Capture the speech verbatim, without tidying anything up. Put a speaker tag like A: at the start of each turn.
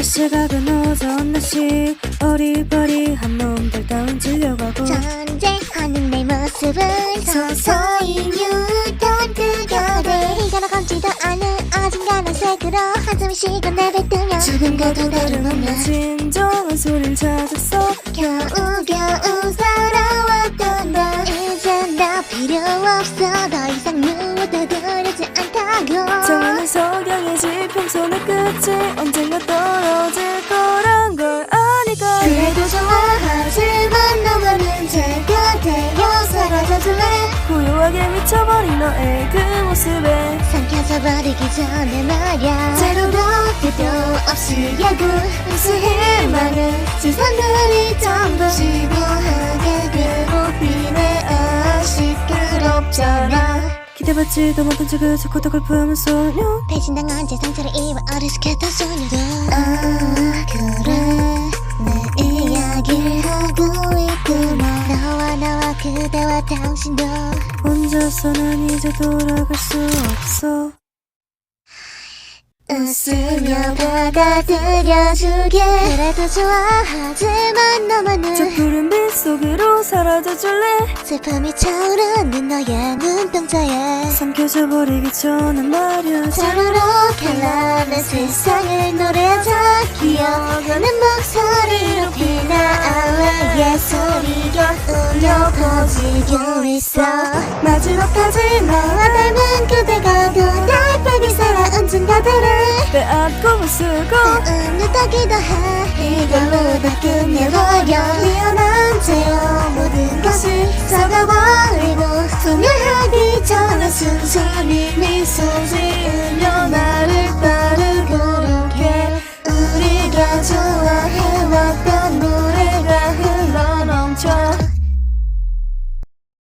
A: 시각은 오전 네 시 어리버리한 놈들 따윈 질려가고
B: 존재하는 내 모습을 서서히 뉴턴 그거래 이거나 감지도 않은 어딘가는 색으로 한숨 쉬고 내뱉으며
A: 지금과도 다름없는 진정한 소리를 찾았어.
B: 겨우겨우 살아왔던 나 이젠 나 필요 없어 더 이상 누워도 두렵지 않다고
A: 정하는 석양이지 평소의 끝이 언젠가 떨어질 거란 걸 아니까
B: 그래도 좋아 하지만 너만은 제가 되어 사라져줄래
A: 고요하게 미쳐버린 너의 그 모습에
B: 삼켜져 버리기 전에 말야 제로도 끝도 없이 야구 무수히 많은 시선들이 전부 지루하게 괴롭히네 아 시끄럽잖아
A: 기대받지도 못한 척을 자꾸 더 걸프하는 소녀
B: 배신당한 제 상처를 입어 어리숙했던 소녀도 아 그래 내 이야기를 하고 있구나 너와 나와 그대와 당신도
A: 혼자서는 이제 돌아갈 수 없어.
B: 웃으며 받아들여주게 그래도 좋아 하지만 너만은
A: 저 푸른 빛 속으로 사라져줄래
B: 슬픔이 차오르는 너의 눈동자에
A: 삼켜져 버리기 전에 말야
B: 자루로 갈라낸 세상을 노래하자 기억하는 목소리로 피나알레의 소리가 울려 퍼지고 있어 마지막까지 나와 닮은 그대가 더날 빨리 살아온 증가들을
A: 빼앗고 부수고
B: 은느다기도 해 이걸로 다 끝내버려 미안한 채로 모든 것을 썩어버리고 소멸하기 전에 순순히 미소 지으며